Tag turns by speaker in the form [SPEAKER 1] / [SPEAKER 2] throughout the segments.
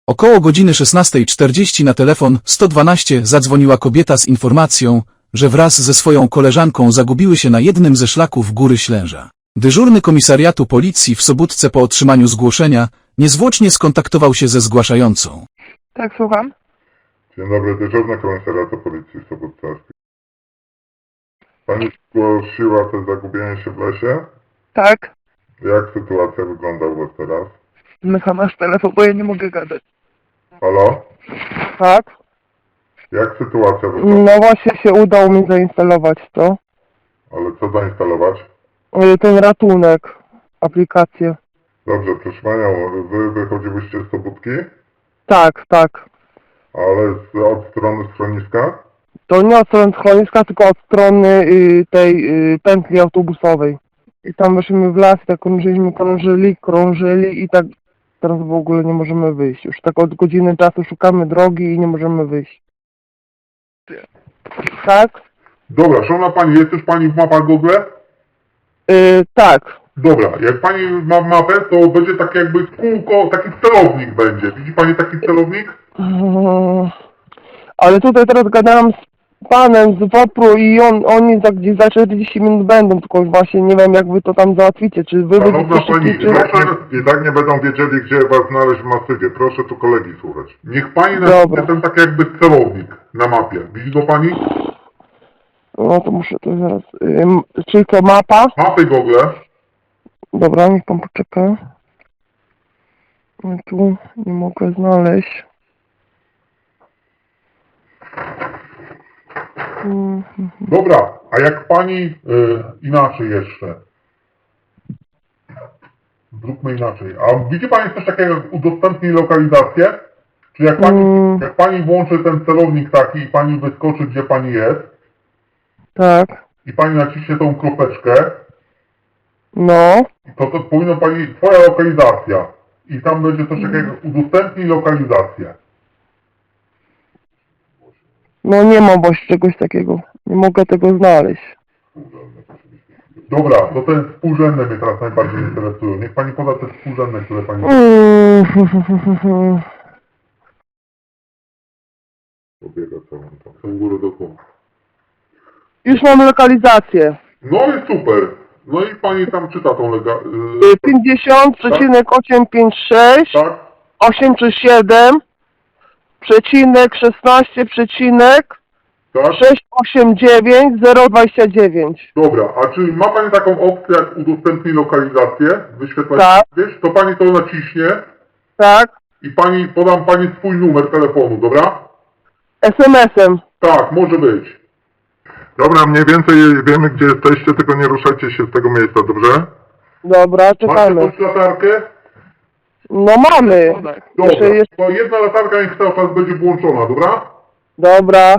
[SPEAKER 1] Około godziny 16:40 na telefon 112 zadzwoniła kobieta z informacją, że wraz ze swoją koleżanką zagubiły się na jednym ze szlaków Góry Ślęża. Dyżurny komisariatu policji w Sobótce po otrzymaniu zgłoszenia niezwłocznie skontaktował się ze zgłaszającą.
[SPEAKER 2] Tak, słucham.
[SPEAKER 3] Dzień dobry, dyżurny komisariatu policji w Sobótce. Pani zgłosiła to zagubienie się w lesie?
[SPEAKER 2] Tak.
[SPEAKER 3] Jak sytuacja wygląda u was teraz?
[SPEAKER 2] Zmykam masz telefon, bo ja nie mogę gadać.
[SPEAKER 3] Halo?
[SPEAKER 2] Tak.
[SPEAKER 3] Jak sytuacja wygląda?
[SPEAKER 2] No właśnie się udało mi zainstalować to.
[SPEAKER 3] Ale co zainstalować?
[SPEAKER 2] Ten ratunek. Aplikację.
[SPEAKER 3] Dobrze, proszę panią, wy wychodziłyście z Sobótki?
[SPEAKER 2] Tak, tak.
[SPEAKER 3] Ale od strony schroniska?
[SPEAKER 2] To nie od strony schroniska, tylko od strony tej pętli autobusowej. I tam weszliśmy w las i tak krążyli i tak teraz w ogóle nie możemy wyjść. Już tak od godziny czasu szukamy drogi i nie możemy wyjść. Tak?
[SPEAKER 3] Dobra, szanowna pani, jest już pani w mapach Google?
[SPEAKER 2] Tak.
[SPEAKER 3] Dobra, jak pani ma mapę, to będzie tak jakby kółko, taki celownik będzie. Widzi pani taki celownik?
[SPEAKER 2] Ale tutaj teraz gadałam z panem z WOPR-u i oni gdzieś za 40 minut będą, tylko właśnie nie wiem jak wy to tam załatwicie, czy wy
[SPEAKER 3] Szanowna
[SPEAKER 2] będziecie
[SPEAKER 3] pani,
[SPEAKER 2] szybciej, czy...
[SPEAKER 3] i tak nie będą wiedzieli, gdzie was znaleźć w masywie. Proszę tu kolegi słuchać. Niech pani
[SPEAKER 2] Dobra.
[SPEAKER 3] napisze ten tak jakby celownik na mapie. Widzi go pani?
[SPEAKER 2] No to muszę to zaraz... czyli to mapa?
[SPEAKER 3] Mapy Google.
[SPEAKER 2] Dobra, niech pan poczeka. Ja tu nie mogę znaleźć.
[SPEAKER 3] Dobra, a jak pani inaczej jeszcze. Zróbmy inaczej. A widzi pani coś takiego jak udostępnij lokalizację? Czy jak pani włączy ten celownik taki i pani wyskoczy gdzie pani jest
[SPEAKER 2] Tak.
[SPEAKER 3] i pani naciśnie tą kropeczkę,
[SPEAKER 2] No.
[SPEAKER 3] to powinno pani, twoja lokalizacja. I tam będzie coś takiego jak udostępnij lokalizację.
[SPEAKER 2] No nie mam właśnie czegoś takiego. Nie mogę tego znaleźć.
[SPEAKER 3] Dobra, to ten współrzędne mnie teraz najbardziej interesują. Niech pani poda te współrzędne, które pani... Pobiega całą tą, tą górę do dołu.
[SPEAKER 2] Już mam lokalizację.
[SPEAKER 3] No i super. No i pani tam czyta tą
[SPEAKER 2] 50,856,
[SPEAKER 3] Tak?
[SPEAKER 2] 837, przecinek 16, przecinek
[SPEAKER 3] Tak?
[SPEAKER 2] 689, 029.
[SPEAKER 3] Dobra, a czy ma pani taką opcję jak udostępnij lokalizację? Wyświetlać
[SPEAKER 2] Tak.
[SPEAKER 3] wiesz, to pani to naciśnie
[SPEAKER 2] Tak?
[SPEAKER 3] i podam pani swój numer telefonu, dobra?
[SPEAKER 2] SMS-em.
[SPEAKER 3] Tak, może być. Dobra, mniej więcej wiemy gdzie jesteście, tylko nie ruszajcie się z tego miejsca, dobrze?
[SPEAKER 2] Dobra,
[SPEAKER 3] Macie
[SPEAKER 2] czekamy.
[SPEAKER 3] jakąś latarkę?
[SPEAKER 2] No mamy.
[SPEAKER 3] Dobra,
[SPEAKER 2] Jeszcze jest...
[SPEAKER 3] to jedna latarka niech cały czas będzie włączona, dobra?
[SPEAKER 2] Dobra.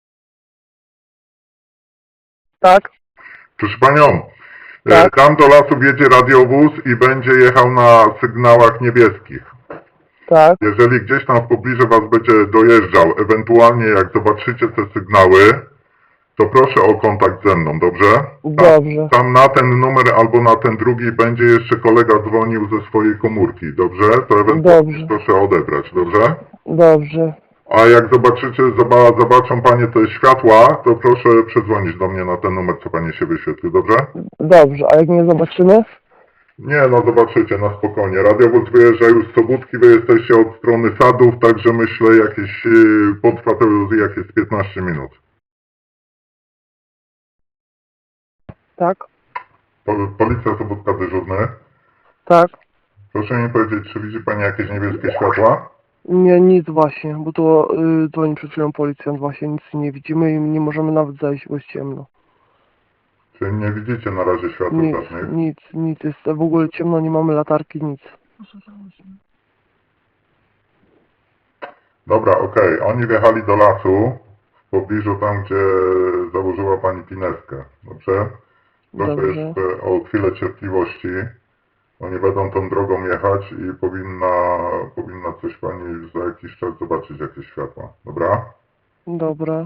[SPEAKER 2] Tak?
[SPEAKER 3] Proszę panią,
[SPEAKER 2] Tak.
[SPEAKER 3] tam do lasu wjedzie radiowóz i będzie jechał na sygnałach niebieskich.
[SPEAKER 2] Tak.
[SPEAKER 3] Jeżeli gdzieś tam w pobliżu was będzie dojeżdżał, ewentualnie jak zobaczycie te sygnały, to proszę o kontakt ze mną, dobrze?
[SPEAKER 2] Dobrze.
[SPEAKER 3] Tam na ten numer albo na ten drugi będzie jeszcze kolega dzwonił ze swojej komórki, dobrze? To ewentualnie
[SPEAKER 2] Dobrze.
[SPEAKER 3] proszę odebrać, dobrze?
[SPEAKER 2] Dobrze.
[SPEAKER 3] A jak zobaczycie, zobaczą panie te światła, to proszę przedzwonić do mnie na ten numer, co panie się wyświetli, dobrze?
[SPEAKER 2] Dobrze. A jak nie zobaczymy?
[SPEAKER 3] Nie, no zobaczycie, na spokojnie. Radiowóz wyjeżdża już z Sobótki, wy jesteście od strony Sadów, także myślę jakieś, potrwa to jakieś 15 minut.
[SPEAKER 2] Tak.
[SPEAKER 3] Policja Sobótka dyżurny.
[SPEAKER 2] Tak.
[SPEAKER 3] Proszę mi powiedzieć, czy widzi pani jakieś niebieskie światła?
[SPEAKER 2] Nie, nic właśnie, bo to dzwoni przed chwilą policjant, właśnie nic nie widzimy i nie możemy nawet zajść, bo jest ciemno.
[SPEAKER 3] Czy nie widzicie na razie światła
[SPEAKER 2] Nic,
[SPEAKER 3] żadnych?
[SPEAKER 2] nic, jest w ogóle ciemno, nie mamy latarki, nic.
[SPEAKER 3] Dobra, okej. Oni wjechali do lasu, w pobliżu tam, gdzie założyła pani pineskę, dobrze? Proszę
[SPEAKER 2] Dobrze.
[SPEAKER 3] jeszcze o chwilę cierpliwości. Oni będą tą drogą jechać i powinna coś pani za jakiś czas zobaczyć jakieś światła, dobra?
[SPEAKER 2] Dobra.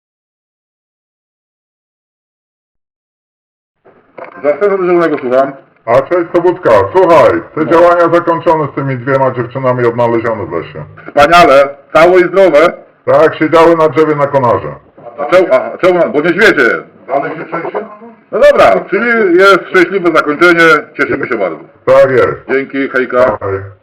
[SPEAKER 3] Za dyżurnego słucham. A cześć Sobótka, słuchaj, te działania zakończone z tymi 2 dziewczynami odnalezione w lesie.
[SPEAKER 4] Wspaniale, całe i zdrowe.
[SPEAKER 3] Tak, siedziały na drzewie na konarze.
[SPEAKER 4] Czemu? Bo niedźwiedzie jest.
[SPEAKER 3] Dalej się trzęsie?
[SPEAKER 4] No dobra, czyli jest szczęśliwe zakończenie, cieszymy się bardzo.
[SPEAKER 3] Tak jest.
[SPEAKER 4] Dzięki, hejka.
[SPEAKER 3] Hej.